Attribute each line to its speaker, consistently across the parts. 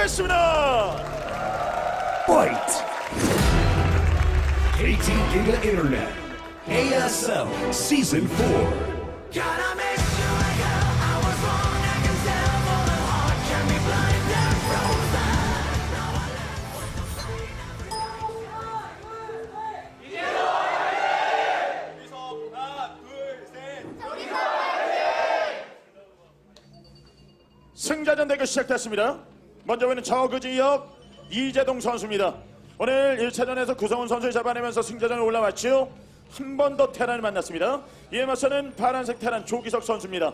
Speaker 1: 시작됐습니다.
Speaker 2: Fight! KT Giga Internet ASL Season 4.
Speaker 3: Gotta make sure I go. I was wrong. I can tell for the heart can be blind and frozen. Now I
Speaker 1: 승자전 대결 시작됐습니다. 먼저 보이는 저그 지역 이재동 선수입니다. 오늘 1차전에서 구성훈 선수를 잡아내면서 승자전에 올라왔죠. 한 번 더 테란을 만났습니다. 이에 맞서는 파란색 테란 조기석 선수입니다.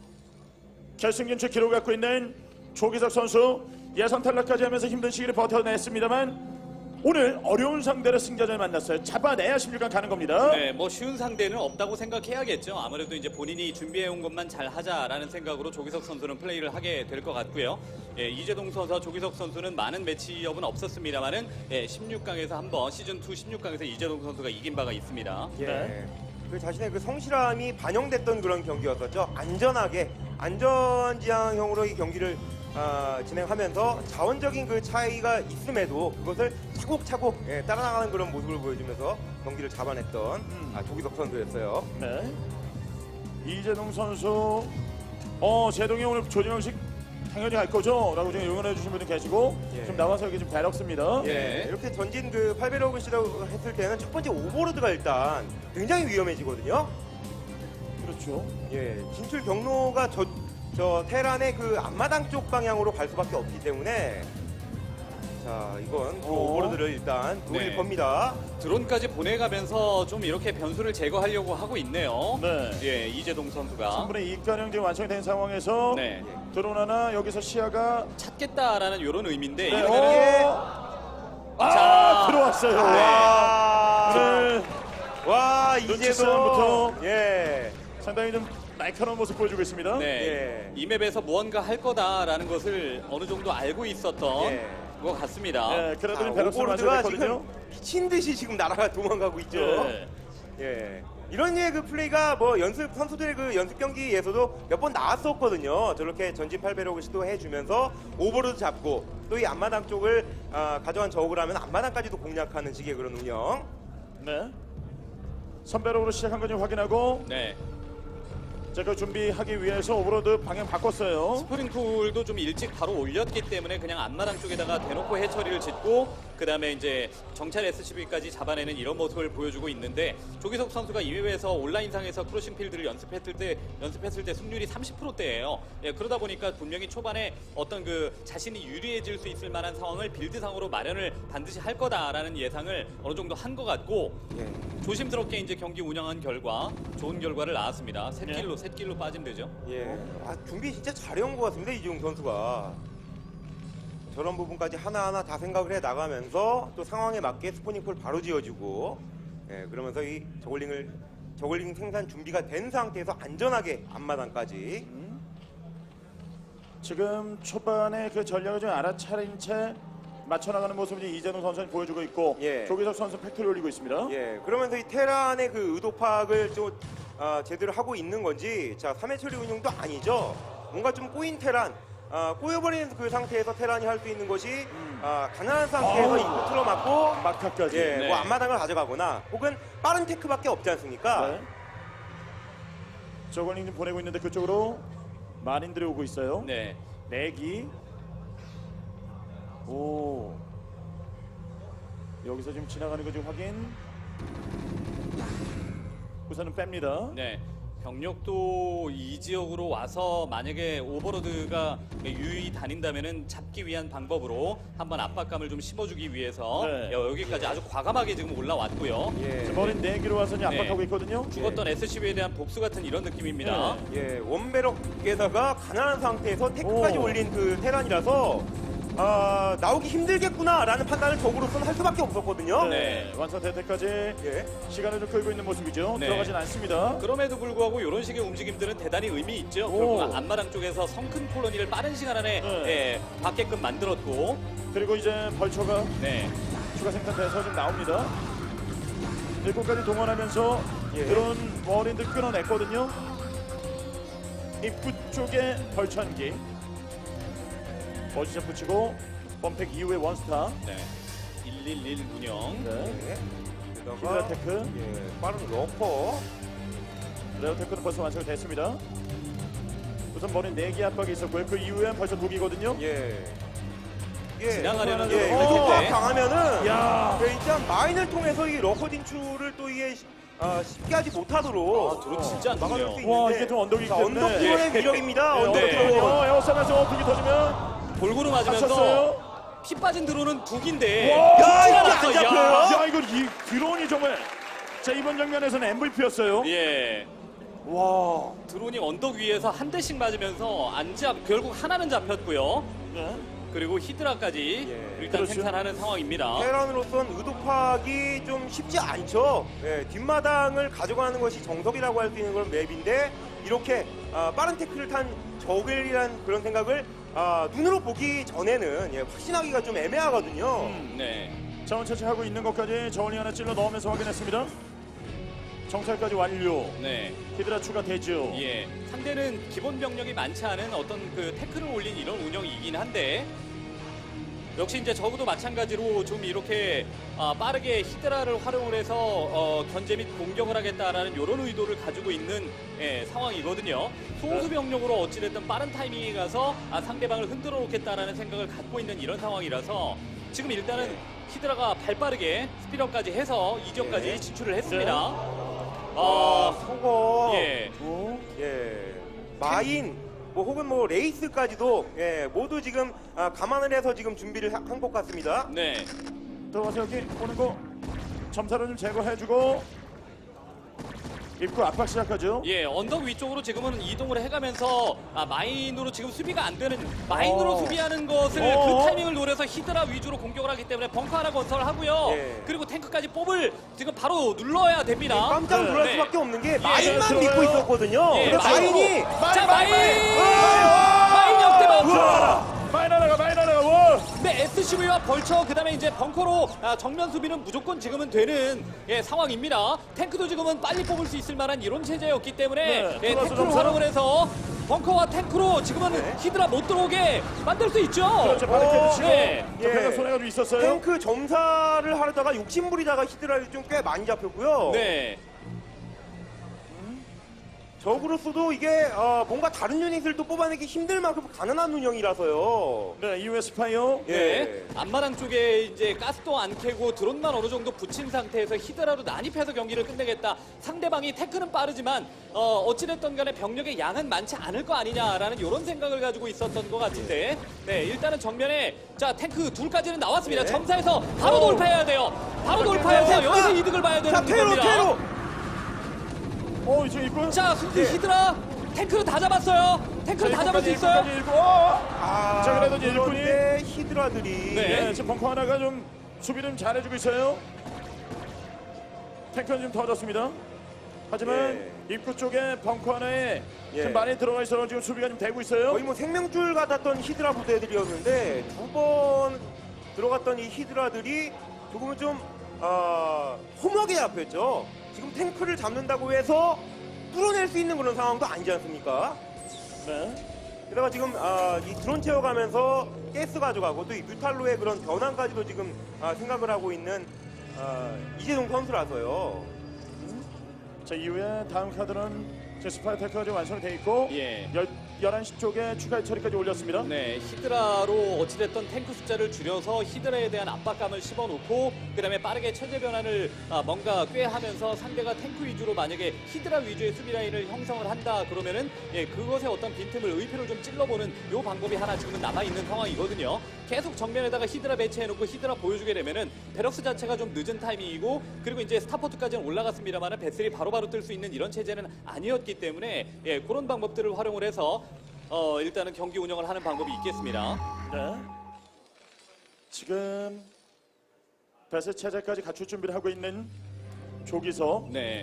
Speaker 1: 결승 진출 기록을 갖고 있는 조기석 선수 예선 탈락까지 하면서 힘든 시기를 버텨냈습니다만 오늘 어려운 상대로 승자전을 만났어요. 잡아내야 16강 가는 겁니다.
Speaker 4: 네, 뭐 쉬운 상대는 없다고 생각해야겠죠. 아무래도 이제 본인이 준비해온 것만 잘 하자라는 생각으로 조기석 선수는 플레이를 하게 될 것 같고요. 예, 이재동 선수와 조기석 선수는 많은 매치업은 없었습니다만은 16강에서 한번 시즌2 16강에서 이재동 선수가 이긴 바가 있습니다.
Speaker 1: 네.
Speaker 5: 그 자신의 그 성실함이 반영됐던 그런 경기였었죠. 안전하게 안전지향형으로 이 경기를 진행하면서 자원적인 그 차이가 있음에도 그것을 차곡차곡 따라나가는 그런 모습을 보여주면서 경기를 잡아냈던 조기석 선수였어요.
Speaker 1: 네. 이재동 선수 제동이 오늘 조지명식 당연히 갈 거죠? 라고 지금 응원해 주신 분들 계시고
Speaker 5: 예.
Speaker 1: 좀 나와서 여기 좀 배럭습니다.
Speaker 5: 예, 이렇게 전진 그 8배럭을 시도했을 때는 첫 번째 오버로드가 일단 굉장히 위험해지거든요.
Speaker 1: 그렇죠.
Speaker 5: 예, 진출 경로가 저 테란의 그 앞마당 쪽 방향으로 갈 수밖에 없기 때문에 자 이건 그 오버로드를 일단 노릴
Speaker 4: 네.
Speaker 5: 겁니다.
Speaker 4: 드론까지 보내가면서 좀 이렇게 변수를 제거하려고 하고 있네요.
Speaker 1: 네.
Speaker 4: 예, 이재동 선수가
Speaker 1: 충분히 이가령 지금 완성이 된 상황에서
Speaker 4: 네.
Speaker 1: 드론 하나 여기서 시야가
Speaker 4: 찾겠다라는 이런 의미인데
Speaker 1: 네.
Speaker 4: 이러면은
Speaker 1: 자 들어왔어요.
Speaker 5: 와,
Speaker 1: 네.
Speaker 5: 와
Speaker 1: 눈치
Speaker 5: 이제도
Speaker 1: 싸움부터.
Speaker 5: 예,
Speaker 1: 상당히 좀 날카로운 모습 보여주고 있습니다.
Speaker 4: 네,
Speaker 5: 예.
Speaker 4: 이 맵에서 무언가 할 거다라는 것을 어느 정도 알고 있었던
Speaker 5: 예.
Speaker 4: 것 같습니다.
Speaker 1: 네, 그래도
Speaker 5: 자,
Speaker 1: 좀 배럭스를
Speaker 5: 오버로드가
Speaker 1: 완성했거든요.
Speaker 5: 지금 미친 듯이 지금 날아가 도망가고 있죠.
Speaker 1: 네.
Speaker 5: 예. 이런 류의 그 플레이가 뭐 연습 선수들의 그 연습 경기에서도 몇 번 나왔었거든요. 저렇게 전진 8배럭을 시도해 주면서 오버로드 잡고 또 이 앞마당 쪽을 가져간 저그를 하면 앞마당까지도 공략하는 식의 그런 운영.
Speaker 1: 네. 선배력으로 시작한 건지 확인하고
Speaker 4: 네.
Speaker 1: 제가 준비하기 위해서 오버로드 방향 바꿨어요.
Speaker 4: 스프링풀도 좀 일찍 바로 올렸기 때문에 그냥 앞마당 쪽에다가 대놓고 해처리를 짓고 그 다음에 이제 정찰 SCB까지 잡아내는 이런 모습을 보여주고 있는데 조기석 선수가 이 맵에서 온라인상에서 크루싱 필드를 연습했을 때 승률이 30%대예요. 예, 그러다 보니까 분명히 초반에 어떤 그 자신이 유리해질 수 있을 만한 상황을 빌드상으로 마련을 반드시 할 거다라는 예상을 어느 정도 한 것 같고
Speaker 5: 예.
Speaker 4: 조심스럽게 이제 경기 운영한 결과 좋은 결과를 낳았습니다. 셋길로 빠지면 되죠.
Speaker 5: 예. 준비 진짜 잘해온 것 같습니다. 이지웅 선수가. 저런 부분까지 하나하나 다 생각을 해 나가면서 또 상황에 맞게 스포닝콜 바로 지어주고 예, 그러면서 이 저글링 생산 준비가 된 상태에서 안전하게 앞마당까지
Speaker 1: 지금 초반에 그 전략을 좀 알아차린 채 맞춰나가는 모습을 이재동 선수는 보여주고 있고
Speaker 5: 예.
Speaker 1: 조기석 선수 팩토리 올리고 있습니다.
Speaker 5: 예, 그러면서 이 테란의 그 의도 파악을 좀 제대로 하고 있는 건지 자 3회 처리 운영도 아니죠. 뭔가 좀 꼬인 테란 꼬여버리는 그 상태에서 테란이 할 수 있는 것이 가난한 상태에서 입구 틀어막고
Speaker 1: 막타까지.
Speaker 5: 예,
Speaker 4: 네.
Speaker 5: 뭐 앞마당을 가져가거나 혹은 빠른 테크밖에 없지 않습니까?
Speaker 1: 네. 저걸링 좀 보내고 있는데 그쪽으로 마린들이 오고 있어요.
Speaker 4: 네.
Speaker 1: 내기. 오. 여기서 지금 지나가는 거 지금 확인. 우선은 뺍니다.
Speaker 4: 네. 병력도 이 지역으로 와서 만약에 오버로드가 유유히 다닌다면은 잡기 위한 방법으로 한번 압박감을 좀 심어주기 위해서
Speaker 1: 네.
Speaker 4: 여기까지 아주 과감하게 지금 올라왔고요.
Speaker 5: 예,
Speaker 1: 지금 머린 내기로 와서 이제 압박하고
Speaker 4: 네.
Speaker 1: 있거든요.
Speaker 4: 죽었던 SCB에 대한 복수 같은 이런 느낌입니다.
Speaker 1: 네.
Speaker 5: 예, 원배럭에다가 가난한 상태에서 테크까지
Speaker 1: 오.
Speaker 5: 올린 그 테란이라서 나오기 힘들겠구나라는 판단을 적으로서는 할 수밖에 없었거든요.
Speaker 4: 네.
Speaker 1: 완성될 때까지
Speaker 5: 예.
Speaker 1: 시간을 좀 끌고 있는 모습이죠.
Speaker 4: 네.
Speaker 1: 들어가진 않습니다.
Speaker 4: 그럼에도 불구하고 이런 식의 움직임들은 대단히 의미 있죠.
Speaker 1: 오.
Speaker 4: 결국 앞마당 쪽에서 성큰 콜로니를 빠른 시간 안에
Speaker 1: 네.
Speaker 4: 받게끔 만들었고,
Speaker 1: 그리고 이제 벌처가
Speaker 4: 네.
Speaker 1: 추가 생산돼서 좀 나옵니다. 일꾼까지 동원하면서
Speaker 5: 예.
Speaker 1: 그런 머린들 끊어냈거든요. 입구 쪽에 벌처 한 개. 어지점 붙이고 범팩 이후에 원스타.
Speaker 4: 네. 111 운영.
Speaker 1: 네.
Speaker 5: 네.
Speaker 1: 히드라
Speaker 5: 게다가
Speaker 1: 테크.
Speaker 5: 예, 빠른 러퍼.
Speaker 1: 레어 테크는 벌써 완성이 됐습니다. 우선 머리 4개 압박이 있었고요. 그 이후엔 벌써 무기거든요.
Speaker 5: 예.
Speaker 4: 지나가려는
Speaker 5: 예,
Speaker 1: 어.
Speaker 5: 이거
Speaker 4: 네.
Speaker 5: 당하면은
Speaker 1: 야.
Speaker 5: 예, 일단 마인을 통해서 이 러커 진출을 또 이게 쉽게 하지 못하도록
Speaker 4: 드론 진짜 안
Speaker 5: 막아줄
Speaker 4: 좋네요.
Speaker 5: 수 있는데
Speaker 1: 와, 이게 좀 언덕이기
Speaker 5: 자,
Speaker 1: 때문에.
Speaker 5: 언덕 드론의 위력입니다. 언덕
Speaker 4: 네.
Speaker 5: 드론.
Speaker 1: 에어싸면서 두기 터지면
Speaker 4: 골고루 맞으면서
Speaker 1: 다쳤어요.
Speaker 4: 피 빠진 드론은 두 개인데.
Speaker 1: 와,
Speaker 5: 야, 이게
Speaker 4: 찔러놨어,
Speaker 5: 안
Speaker 4: 야.
Speaker 5: 잡혀요?
Speaker 1: 야, 이거 이 드론이 정말 자 이번 장면에서는 MVP였어요.
Speaker 4: 예.
Speaker 1: 와.
Speaker 4: 드론이 언덕 위에서 한 대씩 맞으면서 결국 하나는 잡혔고요.
Speaker 1: 네.
Speaker 4: 그리고 히드라까지
Speaker 5: 예.
Speaker 4: 일단
Speaker 1: 그렇죠.
Speaker 4: 생산하는 상황입니다.
Speaker 5: 테란으로선 의도 파악이 좀 쉽지 않죠. 예, 뒷마당을 가져가는 것이 정석이라고 할 수 있는 그런 맵인데 이렇게 빠른 태클을 탄 적을이란 그런 생각을 눈으로 보기 전에는 예, 확신하기가 좀 애매하거든요.
Speaker 4: 네.
Speaker 1: 자원 채취하고 있는 것까지 저울리 하나 찔러 넣으면서 확인했습니다. 정찰까지 완료.
Speaker 4: 네.
Speaker 1: 히드라 추가되죠.
Speaker 4: 예. 상대는 기본 병력이 많지 않은 어떤 그 태클을 올린 이런 운영이긴 한데 역시 이제 적어도 마찬가지로 좀 이렇게 빠르게 히드라를 활용을 해서 견제 및 공격을 하겠다라는 이런 의도를 가지고 있는 상황이거든요. 소수 병력으로 어찌됐든 빠른 타이밍에 가서 상대방을 흔들어 놓겠다라는 생각을 갖고 있는 이런 상황이라서 지금 일단은 히드라가 발빠르게 스피드업까지 해서 이 지역까지
Speaker 5: 네.
Speaker 4: 진출을 했습니다.
Speaker 5: 속어.
Speaker 4: 예.
Speaker 1: 오.
Speaker 5: 예, 마인 뭐 혹은 뭐 레이스까지도 예, 모두 지금 감안을 해서 지금 준비를 한 것 같습니다.
Speaker 4: 네.
Speaker 1: 들어가서 여기 오는 거 점사로 좀 제거해주고 입구 압박 시작하죠.
Speaker 4: 예, 언덕 위쪽으로 지금은 이동을 해가면서 마인으로 지금 수비가 안 되는 마인으로 수비하는 것을 그 타이밍을 노려서 히드라 위주로 공격을 하기 때문에 벙커 하나 건설을 하고요.
Speaker 5: 예.
Speaker 4: 그리고 탱크까지 뽑을 지금 바로 눌러야 됩니다.
Speaker 5: 깜짝 놀랄
Speaker 4: 네.
Speaker 5: 수밖에 없는 게
Speaker 1: 예,
Speaker 5: 마인만
Speaker 1: 들어가요.
Speaker 5: 믿고 있었거든요.
Speaker 4: 예,
Speaker 5: 근데 마인이
Speaker 4: 자, 마인 역대박.
Speaker 1: 마인 하나가 원.
Speaker 4: 네, SCV와 벌처 그다음에 이제 벙커로 정면 수비는 무조건 지금은 되는 상황입니다. 탱크도 지금은 빨리 뽑을 수 있을 만한 이런 체제였기 때문에
Speaker 1: 네, 들어가서
Speaker 4: 탱크를
Speaker 1: 점사.
Speaker 4: 활용을 해서 벙커와 탱크로 지금은 히드라 못 들어오게 만들 수 있죠.
Speaker 1: 그렇죠. 바리케이드 치고
Speaker 4: 네.
Speaker 1: 병력 손해가 좀 있었어요.
Speaker 5: 탱크 점사를 하려다가 욕심부리다가 히드라를 좀 꽤 많이 잡혔고요.
Speaker 4: 네.
Speaker 5: 적으로서도 이게 뭔가 다른 유닛을 또 뽑아내기 힘들 만큼 가난한 운영이라서요.
Speaker 1: 네, 이후에 스파이어.
Speaker 5: 예.
Speaker 4: 네. 앞마당 쪽에 이제 가스도 안 캐고 드론만 어느 정도 붙인 상태에서 히드라로 난입해서 경기를 끝내겠다. 상대방이 태클은 빠르지만 어찌됐든 간에 병력의 양은 많지 않을 거 아니냐라는 이런 생각을 가지고 있었던 것 같은데 네, 일단은 정면에 자 탱크 둘까지는 나왔습니다.
Speaker 5: 네.
Speaker 4: 점사해서 바로 돌파해야 돼요. 바로 돌파해서 여기서 이득을 봐야 되는
Speaker 5: 자, 테로,
Speaker 4: 겁니다.
Speaker 5: 테로!
Speaker 1: 지금 입구.
Speaker 4: 자,
Speaker 5: 네.
Speaker 4: 히드라 탱크를 다 잡았어요. 탱크를 다 잡을 수 있어요.
Speaker 1: 자, 그래도 이제 일꾼이.
Speaker 5: 그런데 히드라들이
Speaker 4: 네.
Speaker 1: 네, 지금 벙커 하나가 좀 수비를 좀 잘해주고 있어요. 탱크는 좀 터졌습니다. 하지만 입구 쪽에 벙커 하나에
Speaker 5: 예.
Speaker 1: 좀 많이 들어가 있어서 지금 수비가 좀 되고 있어요.
Speaker 5: 거의 뭐 생명줄 같았던 히드라 부대들이었는데 두 번 들어갔던 이 히드라들이 조금은 좀 허무하게 잡혔죠. 지금 탱크를 잡는다고 해서 뚫어낼 수 있는 그런 상황도 아니지 않습니까?
Speaker 1: 네.
Speaker 5: 게다가 지금 이 드론 채워가면서 가스 가져가고 또 이 뮤탈로의 그런 변환까지도 지금 생각을 하고 있는 이재동 선수라서요.
Speaker 1: 자, 이후에 다음 카드는 제 스파이 테크가 지금 완성이 돼 있고
Speaker 4: 예.
Speaker 1: 11시 쪽에 추가 처리까지 올렸습니다.
Speaker 4: 네, 히드라로 어찌됐던 탱크 숫자를 줄여서 히드라에 대한 압박감을 씹어놓고 그다음에 빠르게 체제 변환을 뭔가 꾀하면서 상대가 탱크 위주로 만약에 히드라 위주의 수비 라인을 형성을 한다 그러면은 그것에 어떤 빈틈을 의표를 좀 찔러보는 요 방법이 하나 지금은 남아있는 상황이거든요. 계속 정면에다가 히드라 배치해놓고 히드라 보여주게 되면은 베럭스 자체가 좀 늦은 타이밍이고 그리고 이제 스타포트까지는 올라갔습니다만은 배슬이 바로바로 뜰 수 있는 이런 체제는 아니었기 때문에 그런 방법들을 활용을 해서 일단은 경기 운영을 하는 방법이 있겠습니다.
Speaker 1: 네. 지금 배스 체제까지 갖출 준비를 하고 있는 조기석.
Speaker 4: 네.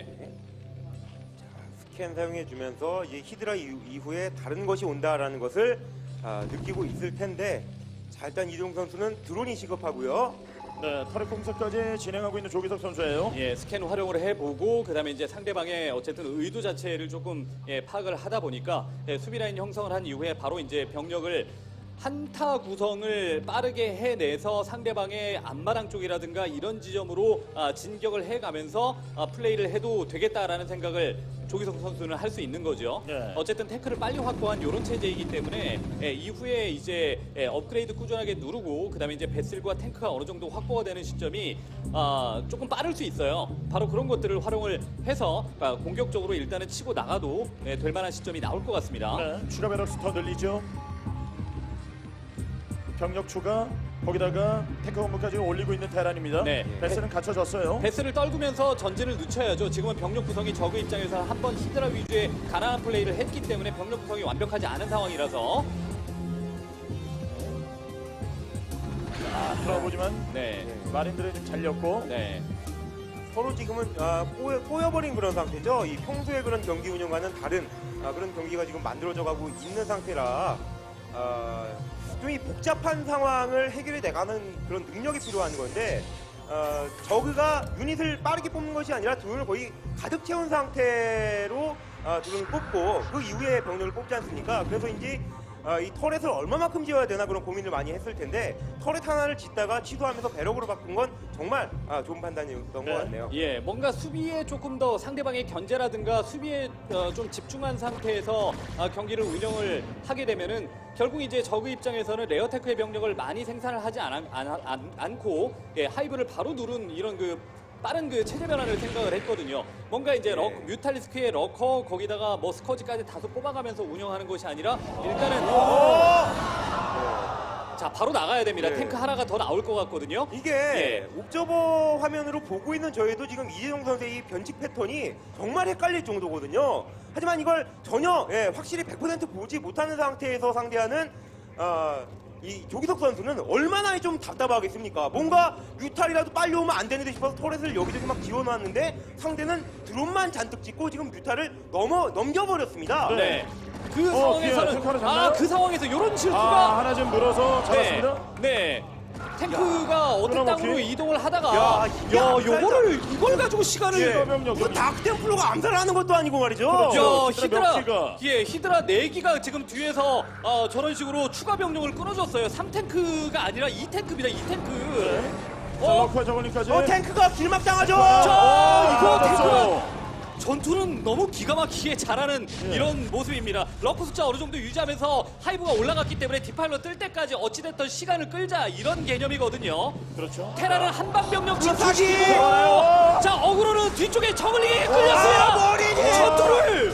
Speaker 5: 스캔 사용해주면서 이제 히드라 이후에 다른 것이 온다라는 것을 느끼고 있을 텐데 자, 일단 이동 선수는 드론이 시급하고요.
Speaker 1: 네, 터렛 공사까지 진행하고 있는 조기석 선수예요.
Speaker 4: 예, 스캔 활용을 해보고 그다음에 이제 상대방의 어쨌든 의도 자체를 조금 파악을 하다 보니까 수비 라인 형성을 한 이후에 바로 이제 병력을 한타 구성을 빠르게 해내서 상대방의 앞마당 쪽이라든가 이런 지점으로 진격을 해가면서 플레이를 해도 되겠다라는 생각을 조기석 선수는 할 수 있는 거죠.
Speaker 1: 네.
Speaker 4: 어쨌든 태클을 빨리 확보한 이런 체제이기 때문에 이후에 이제 업그레이드 꾸준하게 누르고 그다음에 이제 베슬과 탱크가 어느 정도 확보가 되는 시점이 조금 빠를 수 있어요. 바로 그런 것들을 활용을 해서 공격적으로 일단은 치고 나가도 될 만한 시점이 나올 것 같습니다.
Speaker 1: 네, 추가 베럭스 더 늘리죠. 병력 추가, 거기다가 탱크 공격까지 올리고 있는 테란입니다.
Speaker 4: 네.
Speaker 1: 베스는 갖춰졌어요.
Speaker 4: 베스를 떨구면서 전진을 늦춰야죠. 지금은 병력 구성이 저그 입장에서 한번 히드라 위주의 가난한 플레이를 했기 때문에 병력 구성이 완벽하지 않은 상황이라서
Speaker 1: 들어보지만
Speaker 4: 네.
Speaker 1: 마린들이 좀 잘렸고
Speaker 4: 네.
Speaker 5: 서로 지금은 꼬여버린 그런 상태죠. 이 평소에 그런 경기 운영과는 다른 그런 경기가 지금 만들어져 가고 있는 상태라 좀 이 복잡한 상황을 해결해 나가는 그런 능력이 필요한 건데 저그가 유닛을 빠르게 뽑는 것이 아니라 드론을 거의 가득 채운 상태로 드론을 뽑고 그 이후에 병력을 뽑지 않습니까? 그래서인지 이 터렛을 얼마만큼 지어야 되나 그런 고민을 많이 했을 텐데 터렛 하나를 짓다가 취소하면서 배럭으로 바꾼 건 정말 좋은 판단이었던
Speaker 1: 네.
Speaker 5: 것 같네요.
Speaker 4: 예, 뭔가 수비에 조금 더 상대방의 견제라든가 수비에 좀 집중한 상태에서 경기를 운영을 하게 되면은 결국 이제 저그 입장에서는 레어테크의 병력을 많이 생산을 하지 않고 하이브를 바로 누른 이런 그 빠른 그 체제 변화를 생각을 했거든요. 뭔가 이제 뮤탈리스크의 러커 거기다가 뭐 스커지까지 다소 뽑아가면서 운영하는 것이 아니라 일단은 자 바로 나가야 됩니다.
Speaker 5: 네.
Speaker 4: 탱크 하나가 더 나올 것 같거든요.
Speaker 5: 이게
Speaker 4: 예.
Speaker 5: 옵저버 화면으로 보고 있는 저희도 지금 이재동 선수의 이 변칙 패턴이 정말 헷갈릴 정도거든요. 하지만 이걸 전혀 확실히 100% 보지 못하는 상태에서 상대하는 이 조기석 선수는 얼마나 좀 답답하겠습니까? 뭔가 뮤탈이라도 빨리 오면 안 되는데 싶어서 터렛을 여기저기 막 지어놨는데 상대는 드론만 잔뜩 찍고 지금 뮤탈을 넘겨버렸습니다.
Speaker 4: 네. 그 상황에서는
Speaker 1: 탱크 하나
Speaker 4: 그 상황에서 이런 실수가
Speaker 1: 하나 좀 물어서 잡았습니다.
Speaker 4: 네. 탱크가 어떤
Speaker 1: 끊어먹기.
Speaker 4: 땅으로 이동을 하다가
Speaker 5: 야, 이게
Speaker 4: 이걸 가지고 시간을
Speaker 1: 예. 병력
Speaker 5: 이거 다크템플러가 암살하는 것도 아니고 말이죠.
Speaker 1: 그렇죠.
Speaker 4: 히드라
Speaker 1: 몇 기가?
Speaker 4: 히드라 4기가 지금 뒤에서 저런 식으로 추가 병력을 끊어줬어요. 3탱크가 아니라 2탱크입니다. 2탱크.
Speaker 1: 자, 러커 저걸링까지.
Speaker 5: 탱크가 길막당하죠.
Speaker 4: 이거 탱크가
Speaker 1: 탱크.
Speaker 4: 전투는 너무 기가 막히게 잘하는 이런 모습입니다. 러커 숫자 어느 정도 유지하면서 하이브가 올라갔기 때문에 디파일러 뜰 때까지 어찌됐든 시간을 끌자 이런 개념이거든요.
Speaker 1: 그렇죠.
Speaker 4: 테라는 한방병력
Speaker 5: 사기!
Speaker 4: 진출시키고 자 어그로는 뒤쪽에 저글링에 끌렸어요.
Speaker 5: 머리니!
Speaker 4: 전투를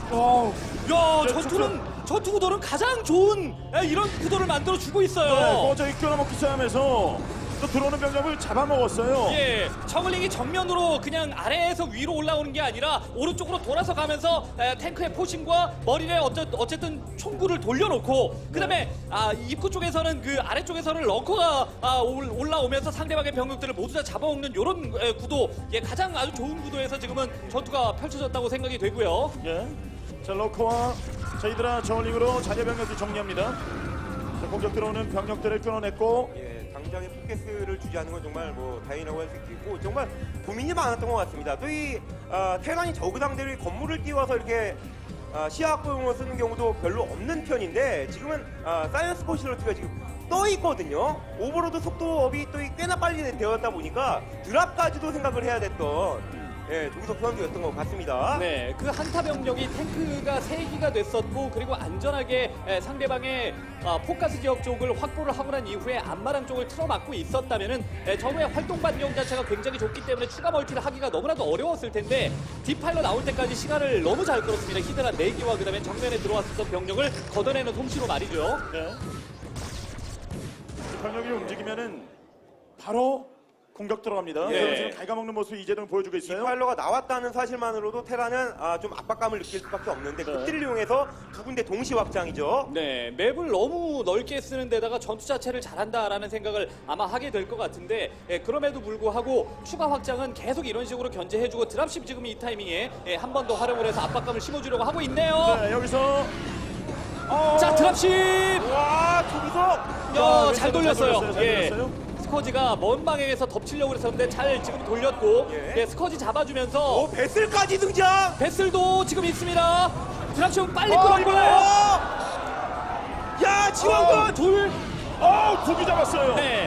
Speaker 4: 야
Speaker 1: 네,
Speaker 4: 전투 구도는 가장 좋은 이런 구도를 만들어 주고 있어요.
Speaker 1: 어제 끊어먹기 싸움에서 또 들어오는 병력을 잡아먹었어요.
Speaker 4: 예, 저글링이 정면으로 그냥 아래에서 위로 올라오는 게 아니라 오른쪽으로 돌아서 가면서 탱크의 포신과 머리에 어쨌든 총구를 돌려놓고 그다음에 입구 쪽에서는 그 아래쪽에서는 럭커가 올라오면서 상대방의 병력들을 모두 다 잡아먹는 이런 구도, 가장 아주 좋은 구도에서 지금은 전투가 펼쳐졌다고 생각이 되고요.
Speaker 1: 예. 자, 러커와 저희들아 저울링으로 자녀 병력들 정리합니다. 자, 공격 들어오는 병력들을 끊어냈고
Speaker 5: 당장에 포켓스를 주지 않는 건 정말 뭐 다행이라고 할 수 있겠고 정말 고민이 많았던 것 같습니다. 또 이 테란이 저그 상대로 건물을 띄워서 이렇게 시야 확보용으로 쓰는 경우도 별로 없는 편인데 지금은 사이언스 포시로트가 지금 떠 있거든요. 오버로드 속도업이 또 꽤나 빨리 되었다 보니까 드랍까지도 생각을 해야 됐던 조기석 선수였던 것 같습니다.
Speaker 4: 네, 그 한타 병력이 탱크가 3기가 됐었고 그리고 안전하게 상대방의 포커스 지역 쪽을 확보를 하고 난 이후에 앞마당 쪽을 틀어막고 있었다면은 적의 활동 반경 자체가 굉장히 좋기 때문에 추가 멀티를 하기가 너무나도 어려웠을 텐데 디파일러 나올 때까지 시간을 너무 잘 끌었습니다. 히드라 4기와 그다음에 정면에 들어왔었던 병력을 걷어내는 솜씨로 말이죠.
Speaker 1: 네. 병력이 움직이면은 바로 공격 들어갑니다.
Speaker 4: 예.
Speaker 1: 그래서 지금 갉아먹는 모습 이재동 보여주고 있어요.
Speaker 5: 디파일러가 나왔다는 사실만으로도 테라는 좀 압박감을 느낄 수밖에 없는데 그들을 이용해서 두 군데 동시 확장이죠.
Speaker 4: 네, 맵을 너무 넓게 쓰는 데다가 전투 자체를 잘한다라는 생각을 아마 하게 될 것 같은데 그럼에도 불구하고 추가 확장은 계속 이런 식으로 견제해주고 드랍십 지금 이 타이밍에 한 번 더 활용을 해서 압박감을 심어주려고 하고 있네요.
Speaker 1: 네, 여기서
Speaker 4: 자, 드랍십!
Speaker 5: 와, 조기석!
Speaker 4: 잘 돌렸어요.
Speaker 1: 잘
Speaker 4: 예.
Speaker 1: 돌렸어요.
Speaker 4: 스커지가 먼 방향에서 덮치려고 그랬었는데 잘 지금 돌렸고
Speaker 5: 예.
Speaker 4: 스커지 잡아주면서
Speaker 5: 베슬까지 등장!
Speaker 4: 베슬도 지금 있습니다. 드랍십 빨리 끌었고요.
Speaker 5: 야, 지원군 둘.
Speaker 1: 두기 잡았어요.
Speaker 4: 네.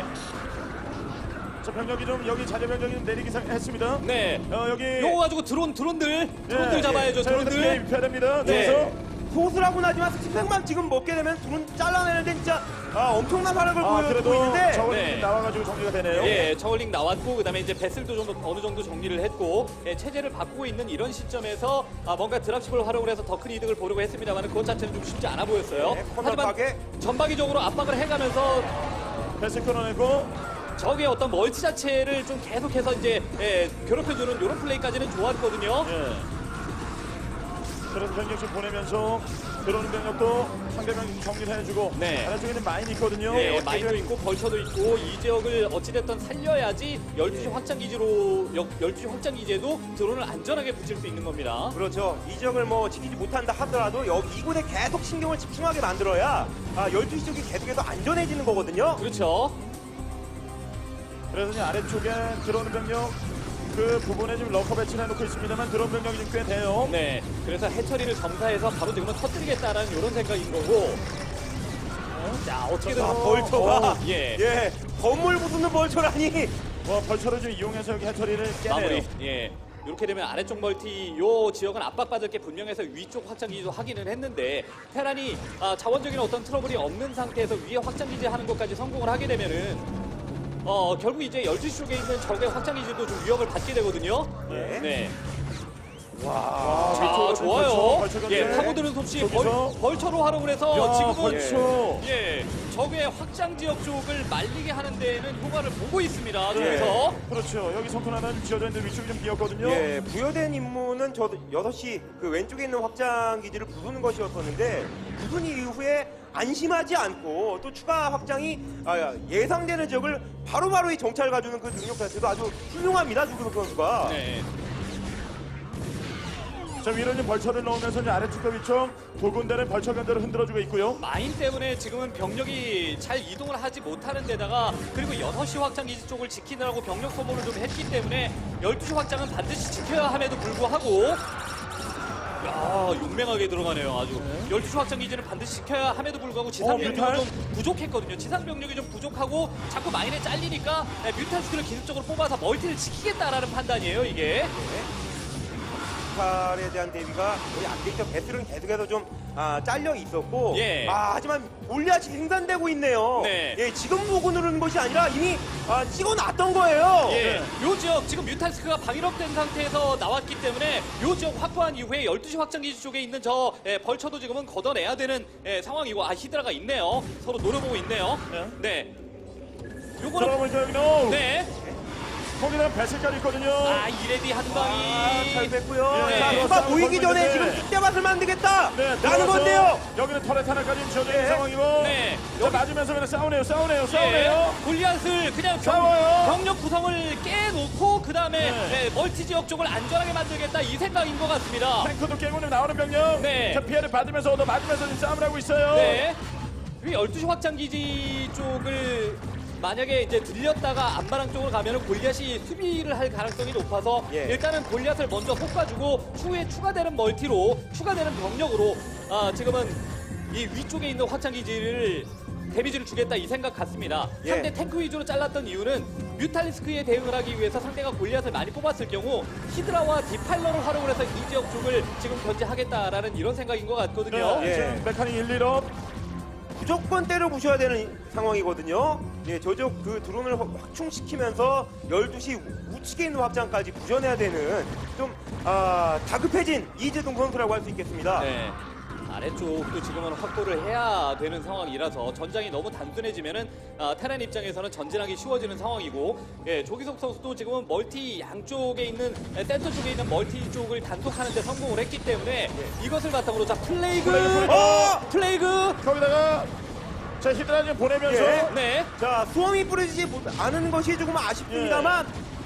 Speaker 1: 자, 병력이 좀 여기 자재 병력이 좀 내리기 했습니다.
Speaker 4: 네.
Speaker 1: 여기
Speaker 4: 요거 가지고 드론들 잡아야죠.
Speaker 1: 자, 여기서
Speaker 4: 드론들.
Speaker 1: 입혀야 됩니다.
Speaker 4: 네.
Speaker 1: 그래서
Speaker 5: 소수라고는 하지만 스펙만 지금 먹게 되면 둘은 잘라내는데 진짜 엄청난 활약을 보여주고
Speaker 1: 그래도
Speaker 5: 있는데
Speaker 1: 저걸링
Speaker 4: 네.
Speaker 1: 나와가지고 정리가 되네요.
Speaker 4: 예, 저울링 나왔고 그다음에 이제 베슬도 좀 어느 정도 정리를 했고 체제를 바꾸고 있는 이런 시점에서 뭔가 드랍십을 활용을 해서 더 큰 이득을 보려고 했습니다만 그것 자체는 좀 쉽지 않아 보였어요.
Speaker 5: 네,
Speaker 4: 하지만
Speaker 5: 코너박에.
Speaker 4: 전방위적으로 압박을 해가면서
Speaker 1: 패스 끊어내고
Speaker 4: 적의 어떤 멀티 자체를 좀 계속해서 이제 괴롭혀주는 이런 플레이까지는 좋았거든요.
Speaker 1: 예. 그래서 병력씩 보내면서 들어오는 병력도 상대방 정리를 해주고
Speaker 4: 네.
Speaker 1: 아래쪽에는 마인이 있거든요.
Speaker 4: 네,
Speaker 1: 어떻게든-
Speaker 4: 마인도 있고 벌처도 있고 이 지역을 어찌됐든 살려야지 12시 확장 기지로 12시 확장 기지에도 드론을 안전하게 붙일 수 있는 겁니다.
Speaker 5: 그렇죠. 이 지역을 뭐 지키지 못한다 하더라도 여기 이곳에 계속 신경을 집중하게 만들어야 12시 쪽이 계속해서 안전해지는 거거든요.
Speaker 4: 그렇죠.
Speaker 1: 그래서 이제 아래쪽에 들어오는 병력 그 부분에 지금 러커 배치를 해놓고 있습니다만 들어온 병력이 좀 꽤 돼요.
Speaker 4: 네, 그래서 해처리를 점사해서 바로 지금은 터뜨리겠다라는 이런 생각인 거고. 자, 어떻게든
Speaker 5: 벌처가
Speaker 4: 예.
Speaker 5: 건물 부수는 벌처라니.
Speaker 1: 벌처를 좀 이용해서 여기 해처리를 깨네요.
Speaker 4: 마무리. 예. 이렇게 되면 아래쪽 멀티 요 지역은 압박받을 게 분명해서 위쪽 확장기지도 하기는 했는데 테란이 자원적인 어떤 트러블이 없는 상태에서 위에 확장기지 하는 것까지 성공을 하게 되면은 결국 이제 12시 쪽에 있는 적의 확장기지도 좀 위협을 받게 되거든요.
Speaker 5: 네.
Speaker 4: 네.
Speaker 1: 와,
Speaker 4: 자,
Speaker 1: 위쪽으로
Speaker 4: 좋아요.
Speaker 1: 벌처
Speaker 4: 예,
Speaker 1: 견제.
Speaker 4: 파고드는 솜씨
Speaker 1: 저기서.
Speaker 4: 벌처로 활용을 해서
Speaker 1: 야,
Speaker 4: 지금은
Speaker 1: 벌처.
Speaker 4: 예, 적의 확장 지역 쪽을 말리게 하는 데에는 효과를 보고 있습니다. 그래서
Speaker 1: 그렇죠. 여기 성큰 하나는 지어져 있는데 위쪽이 좀 비었거든요.
Speaker 5: 예, 부여된 임무는 저 6시 그 왼쪽에 있는 확장 기지를 부수는 것이었었는데 부순 이후에 안심하지 않고 또 추가 확장이 예상되는 지역을 바로바로 이 정찰 가주는 그 능력 자체도 아주 훌륭합니다. 주근석 선수가.
Speaker 4: 네.
Speaker 1: 자, 위로 이제 벌처를 넣으면서 이제 아래쪽과 위쪽 두 군데는 벌처 견제를 흔들어주고 있고요.
Speaker 4: 마인 때문에 지금은 병력이 잘 이동을 하지 못하는 데다가 그리고 6시 확장 기지 쪽을 지키느라고 병력 소모를 좀 했기 때문에 12시 확장은 반드시 지켜야 함에도 불구하고 야, 용맹하게 들어가네요. 아주 12시 확장 기지는 반드시 지켜야 함에도 불구하고 지상 병력이
Speaker 1: 뮤탈?
Speaker 4: 좀 부족했거든요. 지상 병력이 좀 부족하고 자꾸 마인에 잘리니까 뮤탈스크를 기습적으로 뽑아서 멀티를 지키겠다라는 판단이에요, 이게.
Speaker 5: 칼에 대한 대비가 거의 안 되죠. 배틀은 계속해서 좀 잘려 있었고,
Speaker 4: 예.
Speaker 5: 하지만 골리앗이 생산되고 있네요.
Speaker 4: 네.
Speaker 5: 예, 지금 보고 누르는 것이 아니라 이미 찍어놨던 거예요.
Speaker 4: 예, 요 지역 지금 뮤탈스크가 방위력된 상태에서 나왔기 때문에 요 지역 확보한 이후에 12시 확장기지 쪽에 있는 저 벌처도 지금은 걷어내야 되는 상황이고 히드라가 있네요. 서로 노려보고 있네요. 네. 요거는
Speaker 1: 들어가면 이제 여기 넣어.
Speaker 4: 네.
Speaker 1: 거기다가 배슬까지 있거든요.
Speaker 4: 이레디 한 방이
Speaker 5: 잘 뺐고요.
Speaker 4: 네.
Speaker 5: 자, 누가
Speaker 1: 싸움
Speaker 5: 보이기
Speaker 1: 걸고
Speaker 5: 전에
Speaker 1: 있는데.
Speaker 5: 지금 뒷대밭을 만들겠다.
Speaker 1: 네,
Speaker 5: 라는
Speaker 1: 들어가서
Speaker 5: 건데요.
Speaker 1: 여기는 터렛 하나까지 지어져 있는
Speaker 5: 네.
Speaker 1: 상황이고.
Speaker 4: 네.
Speaker 1: 자, 맞으면서 그냥 싸우네요.
Speaker 4: 예, 골리앗을 그냥
Speaker 1: 싸워요.
Speaker 4: 병력 구성을 깨놓고 그 다음에
Speaker 1: 네.
Speaker 4: 멀티 지역 쪽을 안전하게 만들겠다 이 생각인 것 같습니다.
Speaker 1: 탱크도 깨고 나오는 병력.
Speaker 4: 네.
Speaker 1: 자, 피해를 받으면서 얻어 맞으면서 지금 싸움을 하고 있어요.
Speaker 4: 네. 이 12시 확장기지 쪽을 만약에 이제 들렸다가 안마랑 쪽으로 가면은 골리앗이 수비를 할 가능성이 높아서
Speaker 5: 예.
Speaker 4: 일단은 골리앗을 먼저 볶아주고 추후에 추가되는 멀티로 추가되는 병력으로 지금은 이 위쪽에 있는 확장기지를 데미지를 주겠다 이 생각 같습니다.
Speaker 5: 예.
Speaker 4: 상대 탱크 위주로 잘랐던 이유는 뮤탈리스크에 대응을 하기 위해서 상대가 골리앗을 많이 뽑았을 경우 히드라와 디파일러를 활용을 해서 이 지역 쪽을 지금 견제하겠다라는 이런 생각인 것 같거든요.
Speaker 1: 네,
Speaker 5: 예.
Speaker 1: 지금 메카닉 1, 2업.
Speaker 5: 무조건 때려 부셔야 되는 상황이거든요. 예, 저쪽 그 드론을 확충시키면서 12시 우측에 있는 확장까지 부셔내야 되는 좀 다급해진 이재동 선수라고 할 수 있겠습니다.
Speaker 4: 네. 아래쪽도 지금은 확보를 해야 되는 상황이라서 전장이 너무 단순해지면은 테란 입장에서는 전진하기 쉬워지는 상황이고 조기석 선수도 지금은 멀티 양쪽에 있는 센터 쪽에 있는 멀티 쪽을 단속하는 데 성공을 했기 때문에 이것을 바탕으로 자 플레이그 플레이그
Speaker 1: 거기다가 자, 히드라 지금 보내면서.
Speaker 5: 예.
Speaker 4: 네.
Speaker 5: 자, 수험이 뿌려지지 않은 것이 조금 아쉽습니다만,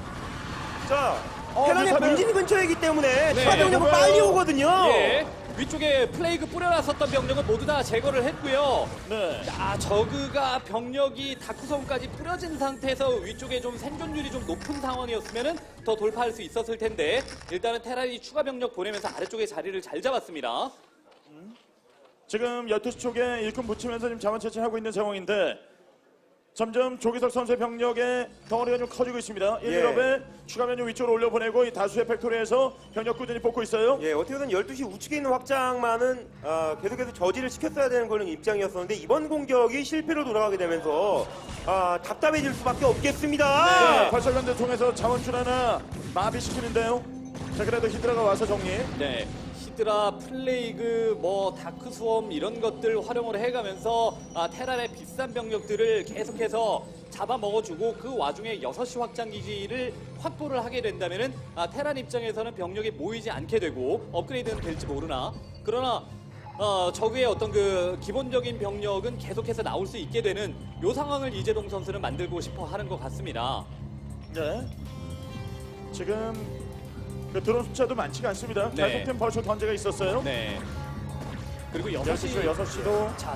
Speaker 5: 자, 테란의
Speaker 1: 뮤탈을-
Speaker 5: 본진 근처이기 때문에
Speaker 4: 네.
Speaker 5: 추가 병력은
Speaker 1: 뭐가요?
Speaker 5: 빨리 오거든요.
Speaker 4: 예. 위쪽에 플레이그 뿌려놨었던 병력은 모두 다 제거를 했고요.
Speaker 1: 네.
Speaker 4: 자, 저그가 병력이 다크섬까지 뿌려진 상태에서 위쪽에 좀 생존율이 좀 높은 상황이었으면은 더 돌파할 수 있었을 텐데 일단은 테란이 추가 병력 보내면서 아래쪽에 자리를 잘 잡았습니다.
Speaker 1: 지금 12시 쪽에 일꾼 붙이면서 지금 자원 채취하고 있는 상황인데 점점 조기석 선수의 병력의 덩어리가 좀 커지고 있습니다. 1일업에 추가 면역 위쪽으로 올려보내고 이 다수의 팩토리에서 병력 꾸준히 뽑고 있어요.
Speaker 5: 예, 어떻게든 12시 우측에 있는 확장만은 계속해서 저지를 시켰어야 되는 그런 입장이었었는데 이번 공격이 실패로 돌아가게 되면서 답답해질 수밖에 없겠습니다.
Speaker 1: 네, 발설관대 통해서 자원줄 하나 마비시키는데요. 자, 그래도 히드라가 와서 정리.
Speaker 4: 네. 히드라, 플레이그, 뭐 다크 수험 이런 것들 활용을 해가면서 테란의 비싼 병력들을 계속해서 잡아먹어주고 그 와중에 6시 확장 기지를 확보를 하게 된다면은 테란 입장에서는 병력이 모이지 않게 되고 업그레이드는 될지 모르나 그러나 적의 어떤 그 기본적인 병력은 계속해서 나올 수 있게 되는 요 상황을 이재동 선수는 만들고 싶어 하는 것 같습니다.
Speaker 1: 네. 지금 그 드론 숫자도 많지가 않습니다.
Speaker 4: 네.
Speaker 1: 계속된 벌써 던제가 있었어요.
Speaker 4: 네. 그리고
Speaker 1: 6시,
Speaker 4: 6시
Speaker 1: 6시도
Speaker 4: 자,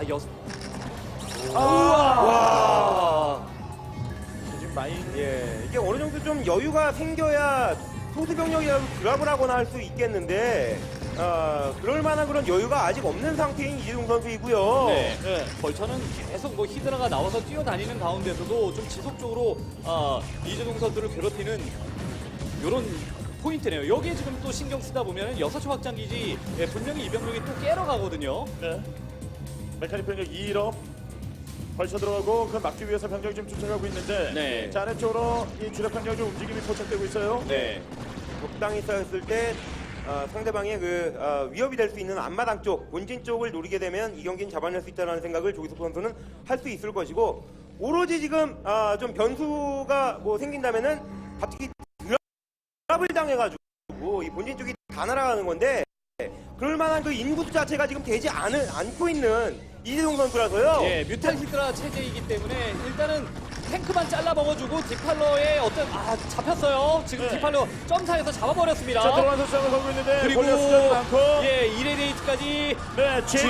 Speaker 1: 지금 마인
Speaker 5: 예, 이게 어느 정도 좀 여유가 생겨야 소수 병력이라도 드랍을 하거나 할 수 있겠는데 그럴 만한 그런 여유가 아직 없는 상태인 이재동 선수이고요.
Speaker 4: 네.
Speaker 1: 네.
Speaker 4: 벌처는 계속 뭐 히드라가 나와서 뛰어다니는 가운데서도 좀 지속적으로 이재동 선수를 괴롭히는 이런 포인트네요. 여기에 지금 또 신경 쓰다 보면 6시 확장 기지 분명히 이 병력이 또 깨러 가거든요.
Speaker 1: 네. 메카닉 병력 2일업 벌써 들어가고 그 막기 위해서 병력이 좀 쫓아가고 있는데
Speaker 4: 네.
Speaker 1: 자, 아래쪽으로 이 주력 병력이 좀 움직임이 포착되고 있어요.
Speaker 4: 네.
Speaker 5: 적당히 쌓였을 때 상대방의 그 위협이 될 수 있는 앞마당 쪽, 본진 쪽을 노리게 되면 이 경기는 잡아낼 수 있다는 생각을 조기석 선수는 할 수 있을 것이고 오로지 지금 좀 변수가 뭐 생긴다면은 갑자기 드랍을 당해가지고 이 본진 쪽이 다 날아가는 건데 그럴 만한 그 인구 자체가 지금 되지 않고 있는 이재동 선수라서요.
Speaker 4: 예, 뮤탈 히드라 체제이기 때문에 일단은 탱크만 잘라 먹어주고 디팔러의 어떤 잡혔어요. 지금
Speaker 1: 네.
Speaker 4: 디팔러 점사에서 잡아버렸습니다.
Speaker 1: 자, 들어가서 싸움을 걸고 있는데
Speaker 4: 그리고
Speaker 1: 골리앗 숫자도 많고
Speaker 4: 예, 1레데이트까지
Speaker 1: 네,
Speaker 5: GJ!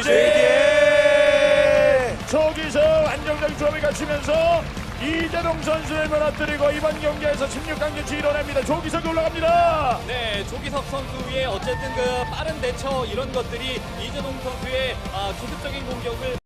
Speaker 1: 저기서 안정적인 조합을 갖추면서 이재동 선수를 무너뜨리고 이번 경기에서 16강전 이뤄냅니다. 조기석이 올라갑니다.
Speaker 4: 네, 조기석 선수의 어쨌든 그 빠른 대처 이런 것들이 이재동 선수의 기습적인 공격을